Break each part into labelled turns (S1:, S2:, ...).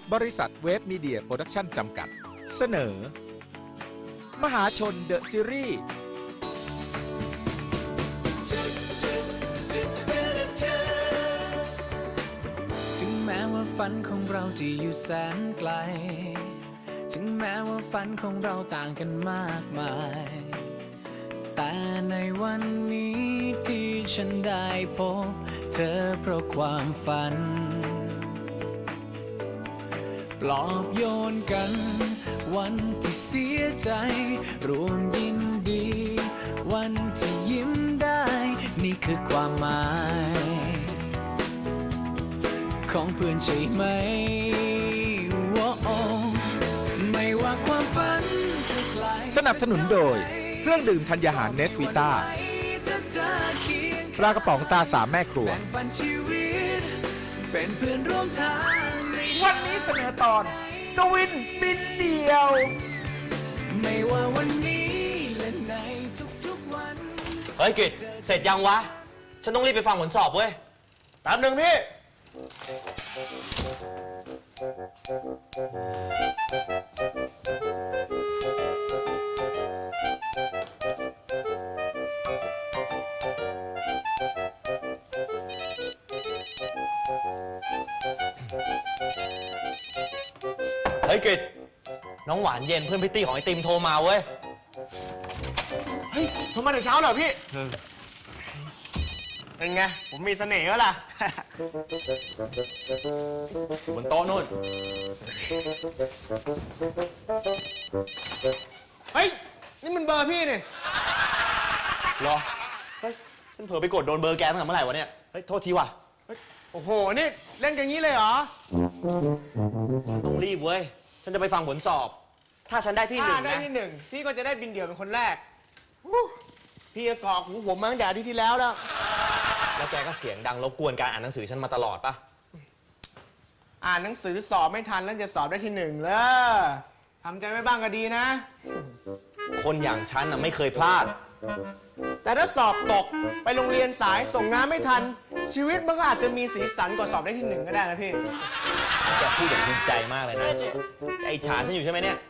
S1: บริษัทเวฟมีเดียโปรดักชั่นจำกัดเสนอ มหาชนเดอะซีรีส์
S2: ถึงแม้ว่าฝันของเราจะอยู่แสนไกลถึงแม้ว่าฝันของเราต่างกันมากมายแต่ในวันนี้ที่ฉันได้พบเธอเพราะความฝันปลอบโยนกันวันที่เสียใจรวมยินดีวันที่ยิ้มได้นี่คือความหมายของเพื่อนใช่ไหมไม่ว่าความฝันจะไกล
S1: สนับสนุนโดยเครื่องดื่มธัญญาหารเนสวิต้าปลากระป๋องตาสามแม่ครัว
S2: เป็นเพื่อนร่วมทาง
S1: วันนี้เสนอตอนกวินบินเดียว
S2: ไม่ว่าวันนี้และในทุกๆวัน
S3: เฮ้ยกิจเสร็จยังวะฉันต้องรีบไปฟังผลสอบเว้ย
S1: แป๊บหนึ่งพี่
S3: เฮ้ยกิจน้องหวานเย็นเพื่อนพิตตี้ของไอติมโทรมาเว้ย
S1: เฮ้ยโทรมาแต่เช้าเหรอพี่เป็นไงผมมีเสน่ห์แล้วล่ะ
S3: บนโต๊ะนู่น
S1: เฮ้ยนี่มันเบอร์พี่นี่
S3: เหรอเฮ้ยฉันเผลอไปกดโดนเบอร์แกตั้งแต่เมื่อไหร่วะเนี่ยเฮ้ยโทษทีว่ะ
S1: โอ้โหนี่เล่นกันงี้เลยเหรอ
S3: ต้องรีบเว้ยฉันจะไปฟังผลสอบถ้าฉันได้ที่หนึ่งนะ
S1: ได้ที่หนึ่งพี่ก็จะได้บินเดี่ยวเป็นคนแรกพี่ก็กรอกหูผมมาตั้งแต่อาทิตย์ที่แล้ว
S3: แล้วแกก็เสียงดังรบกวนการอ่านหนังสือฉันมาตลอดปะ
S1: อ่านหนังสือสอบไม่ทันแล้วจะสอบได้ที่หนึ่งเลยทำใจไว้บ้างก็ดีนะ
S3: คนอย่างฉันน่ะไม่เคยพลาด
S1: แต่ถ้าสอบตกไปโรงเรียนสายส่งงานไม่ทันชีวิตมันก็อาจจะมีสีสันกว่าสอบได้ที่หนึ่งก็ได้นะพี่
S3: แกพูดอย่างภูมิใจมากเลยนะไอ้ฉาฉันอยู่ใช่ไหมเนี่ย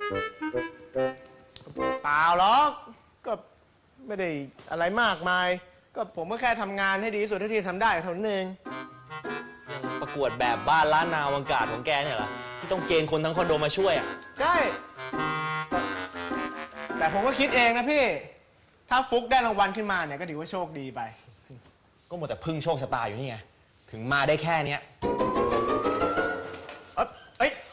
S1: เปล่าหรอกก็ไม่ได้อะไรมากมายก็ผมก็แค่ทำงานให้ดีที่สุดเท่าที่ทำได้เท่านั้นเอง
S3: ประกวดแบบบ้านล้านนาวังกาดของแกเนี่ยเหรอที่ต้องเกณฑ์คนทั้งคอนโดมาช่วยอ่ะ
S1: ใช่แต่ผมก็คิดเองนะพี่ถ้าฟุกได้รางวัลขึ้นมาเนี่ยก็ถือว่าโชคดีไป
S3: ก็หมดแต่พึ่งโชคชะตาอยู่นี่ไงถึงมาได้แค่เนี้ย
S1: เอ้ย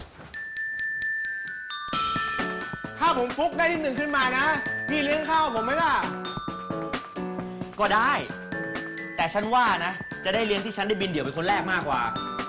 S1: ถ้าผมฟุกได้ที่หนึ่งขึ้นมานะพี่เลี้ยงข้าวผมไหมล่ะ
S3: ก็ได้แต่ฉันว่านะจะได้เรียนที่ฉันได้บินเดี่ยวเป็นคนแรกมากกว่า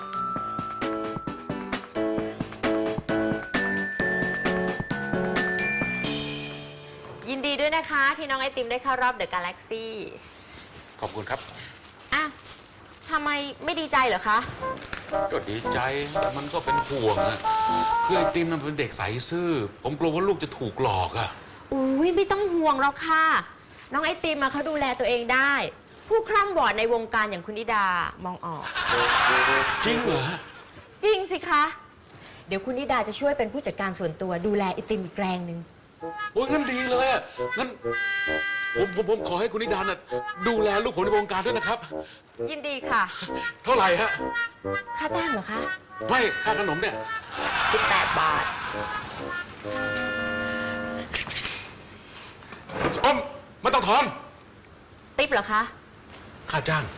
S4: ยินดีด้วยนะคะที่น้องไอติมได้เข้ารอบเดอะกาแล็กซี่
S5: ขอบคุณครับ
S4: อ่ะทำไมไม่ดีใจเหรอคะ
S5: ก็ดีใจมันก็เป็นห่วงอะคือไอติมมันเป็นเด็กใสซื่อผมกลัวว่าลูกจะถูกหลอกอะ
S4: อุ้ยไม่ต้องห่วงหรอกค่ะน้องไอติมเขาดูแลตัวเองได้ผู้คร่ำวอดในวงการอย่างคุณนิดามองออก
S5: จริงเหรอ
S4: จริงสิคะเดี๋ยวคุณนิดาจะช่วยเป็นผู้จัดการส่วนตัวดูแลไอติมอีกแรงหนึ่ง
S5: โอ้ยงั้นดีเลยอะงั้นผมขอให้คุณนิดาน่ะดูแลลูกผมในวงการด้วยนะครับ
S4: ยินดีค่ะ
S5: เท่าไหร่ฮะ
S4: ค่าจ้างเหรอคะ
S5: ไม่ค่าขนมเนี่ย
S4: 18 บาท
S5: ไม่ต้องถอน
S4: ติ๊บเหรอคะ
S5: ค่าจ้าง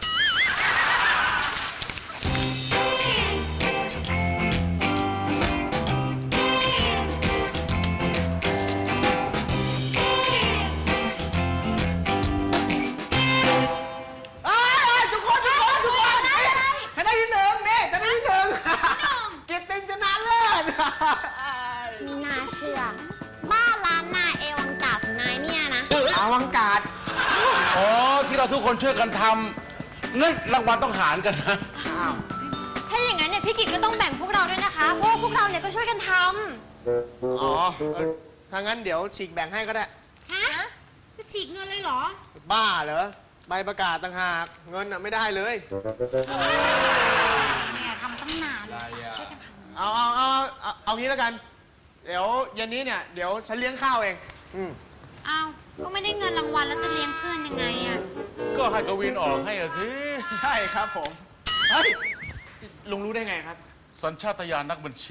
S6: น่าเชื่อบ้านร้านนาเอวังกาดของนายเนี่ยนะ
S1: อวังกาด
S5: อ๋อที่เราทุกคนช่วยกันทำงั้นรางวัลต้องหารกันนะ
S6: ถ้าอย่างนั้นเนี่ยพี่กิตก็ต้องแบ่งพวกเราด้วยนะคะเพราะว่าพวกเราเนี่ยก็ช่วยกันท
S1: ำอ๋อถ้างั้นเดี๋ยวฉีกแบ่งให้ก็ได้
S6: ฮะจะฉีกเงินเลยเหรอ
S1: บ้าเหรอใบประกาศต่างหากเงินไม่ได้เลย
S6: เนี่ยทำตั้งนานเลยช่วยกันทำ
S1: เอางี้แล้วกัน เดี๋ยวเย็นนี้เนี่ยเดี๋ยวฉันเลี้ยงข้าวเอง
S6: อ้าวก็ไม่ได้เงินรางวัลแล้วจะเลี้ยงเพื่อนยังไงอะ
S5: ก็ให้กวินออกให้อะสิ
S1: ใช่ครับผม เฮ้ย ลุงรู้ได้ไงครับ
S5: สัญชาตญาณนักบัญชี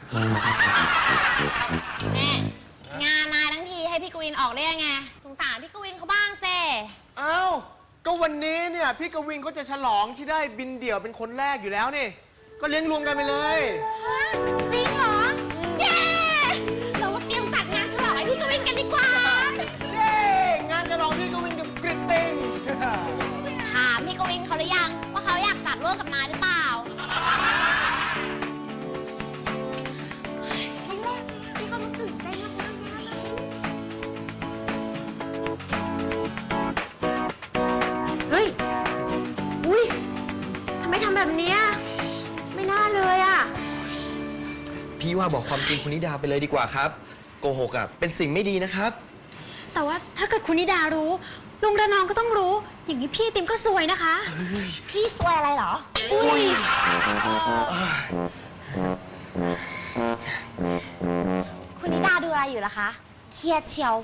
S6: แน่งานมาทั้งทีให้พี่กวินออกได้ยังไงสงสารพี่กวินเขาบ้างเซ่
S1: อ้าว ก็วันนี้เนี่ยพี่กวินก็จะฉลองที่ได้บินเดี่ยวเป็นคนแรกอยู่แล้วนี่ ก็เลี้ยงรวมกันไปเลย
S6: จริงเหรอ เย้เรามาเตรียมจัดงานฉลองให้พี่กวินกันดีกว่า
S1: เย้ งานฉลองพี่กวินกับกริตติง
S6: ถามพี่กวินเขาหรือยังว่าเขาอยากจัดร่วมกับนายหรือเปล่าพี่เขาตื่นเต้นมากๆเลย
S4: เฮ้ย อุ้ยทำไมทำแบบเนี้ยไม่น่าเลยอะ
S3: พี่ว่าบอกความจริงคุณนิดาไปเลยดีกว่าครับ โกหกอ่ะเป็นสิ่งไม่ดีนะครับ
S6: แต่ว่าถ้าเกิดคุณนิดารู้ ลุงระนองก็ต้องรู้ อย่างนี้พี่ติมก็ซวยนะคะ พี่ซวยอะไรเหรอ อุ้ย คุณนิดาดูอะไรอยู่ล่ะคะ เครียดเชียว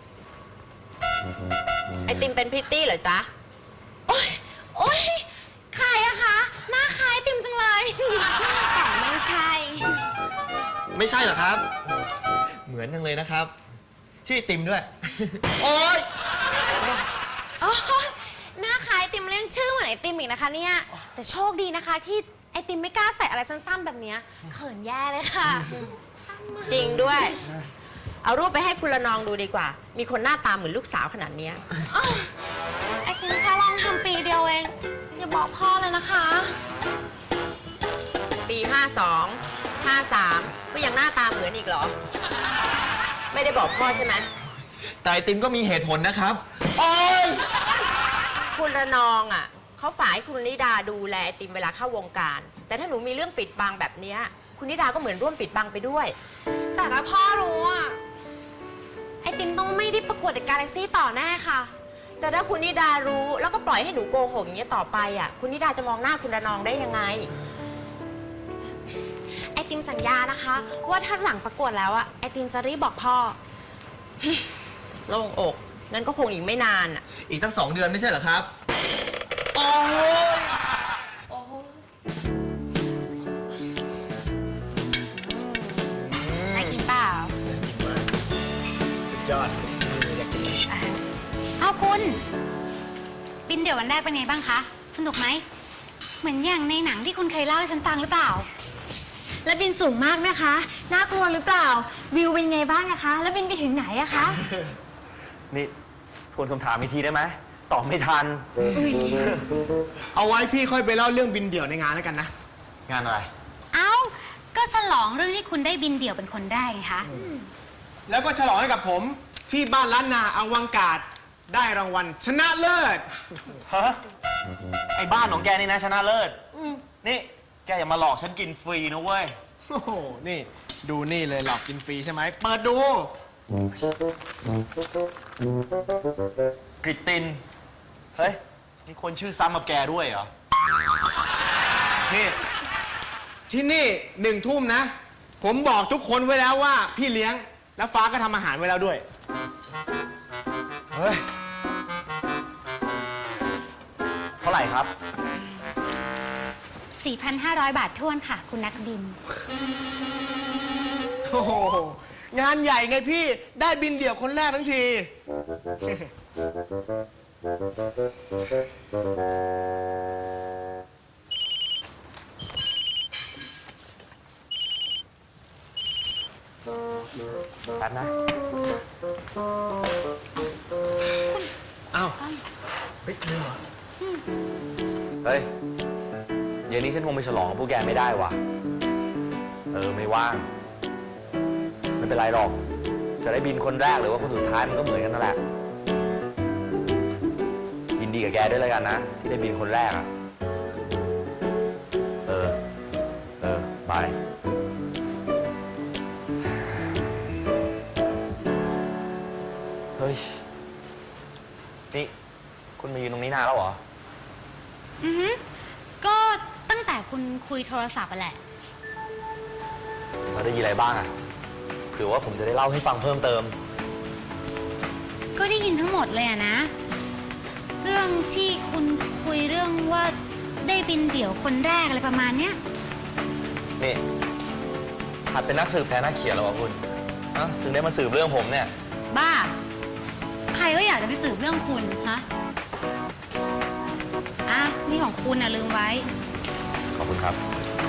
S4: ไอติมเป็นพริตตี้เหรอจ๊ะ
S6: โอ๊ย โอ๊ย ใครอะคะ หน้าคล้ายติมจังเลย แต่ไม่ใช่
S3: ไม่ใช่เหรอครับ เหมือนจังเลยนะครับ ชื่อไอติมด้วย โอ๊ย
S6: โอ๊ยหน้าคล้ายไอติมเล่นชื่อเหมือนไอติมอีกนะคะเนี่ย แต่โชคดีนะคะที่ไอติมไม่กล้าใส่อะไรสั้นๆแบบเนี้ยเขินแย่เลยค่ะ
S4: จริงด้วย เอารูปไปให้คุณละนองดูดีกว่า มีคนหน้าตาเหมือนลูกสาวขนาดเนี้ย
S6: ไอติมแค่ลองทำปีเดียวเอง อย่าบอกพ่อเลยนะคะ
S4: ปี 52 53 ก็ยังหน้าตาเหมือนอีกเหรอ ไม่ได้บอกพ่อใช่ไหม
S3: แต่ไอติมก็มีเหตุผลนะครับ โอ๊ย
S4: คุณระนองอ่ะเขาฝ่ายคุณนิดาดูแลไอติมเวลาเข้าวงการ แต่ถ้าหนูมีเรื่องปิดบังแบบเนี้ยคุณนิดาก็เหมือนร่วมปิดบังไปด้วย
S6: แต่ถ้าพ่อรู้อะไอติมต้องไม่ได้ประกวดเดอะกาแล็กซี่ต่อแน่ค่ะ
S4: แต่ถ้าคุณนิดารู้แล้วก็ปล่อยให้หนูโกหกอย่างเงี้ยต่อไปอ่ะคุณนิดาจะมองหน้าคุณระนองได้ยังไง
S6: ไอติมสัญญานะคะ ว่าถ้าหลังประกวดแล้วอะไอติมจะรีบบอกพ่อ
S4: โล่งอกงั้นก็คงอีกไม่นานอ่ะ
S3: อีกตั้ง2 เดือนไม่ใช่เหรอครับ โอ๊ย
S6: ได้กินเปล่า
S1: สุดยอด
S7: เอาคุณ บินเดี่ยววันแรกเป็นไงบ้างคะ สนุกไหม เหมือนอย่างในหนังที่คุณเคยเล่าให้ฉันฟังหรือเปล่า
S6: แล้วบินสูงมากไหมคะ น่ากลัวหรือเปล่า วิวเป็นไงบ้างนะคะ แล้วบินไปถึงไหนอะคะ
S3: นี่ทวนคำถามอีกทีได้ไหมตอบไม่ทัน
S1: เอาไว้พี่ค่อยไปเล่าเรื่องบินเดี่ยวในงานแล้วกันนะ
S3: งานอะไร
S7: เอ้า ก็ฉลองเรื่องที่คุณได้บินเดี่ยวเป็นคนแรกไงคะ
S1: แล้วก็ฉลองให้กับผมที่บ้านล้านนาอวังกาศได้รางวัลชนะเลิศ
S3: ฮะ ไอ้บ้านของแกนี่นะชนะเลิศ นี่แกอย่ามาหลอกฉันกินฟรีนะเว้ย
S1: โอ้โห นี่ดูนี่เลยหลอกกินฟรีใช่ไหม เปิดดู
S3: กริตติน เฮ้ย มีคนชื่อซ้ำกับแกด้วยเหรอ นี่
S1: ที่นี่1 ทุ่มนะ ผมบอกทุกคนไว้แล้วว่าพี่เลี้ยง แล้วฟ้าก็ทำอาหารไว้แล้วด้วย
S3: เฮ้ย เท่าไหร่ครับ
S7: 4,500 บาทท้วนค่ะ คุณนักบิน
S1: โอ้โห งานใหญ่ไงพี่ ได้บินเดี่ยวคนแรกทั้งที
S3: แป๊บนะ
S1: อ้าวเฮ้ยลืมเหรอ
S3: เฮ้ย เย็นนี้ฉันคงไปฉลองกับพวกแกไม่ได้ว่ะ ไม่ว่าง ไม่เป็นไรหรอก จะได้บินคนแรกหรือว่าคนสุดท้ายมันก็เหมือนกันนั่นแหละ ยินดีกับแกด้วยแล้วกันนะ ที่ได้บินคนแรกอะบาย เฮ้ย นี่ คุณมายืนตรงนี้นานแล้วเหรอ
S7: อือฮึก็ตั้งแต่คุณคุยโทรศัพท์อะแหละ
S3: เราได้ยินอะไรบ้างอะเผื่อว่าผมจะได้เล่าให้ฟังเพิ่มเติม
S7: ก็ได้ยินทั้งหมดเลยอะนะ เรื่องที่คุณคุยเรื่องว่าได้บินเดี่ยวคนแรกอะไรประมาณเนี้ย
S3: นี่หัดเป็นนักสืบแทนนักเขียนแล้ววะคุณฮะถึงได้มาสืบเรื่องผมเนี่ย
S7: บ้า ใครก็อยากจะไปสืบเรื่องคุณฮะอ่ะนี่ของคุณนะลืมไว้
S3: ขอบคุณครับ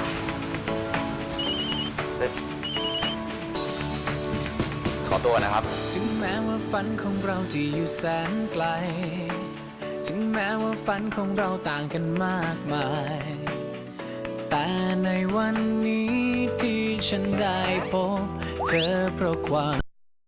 S3: เฮ้ยขอตัวนะครับ
S2: ถึงแม้ว่าฝันของเราจะอยู่แสนไกล ถึงแม้ว่าฝันของเราต่างกันมากมาย แต่ในวันนี้ที่ฉันได้พบเธอเพราะความ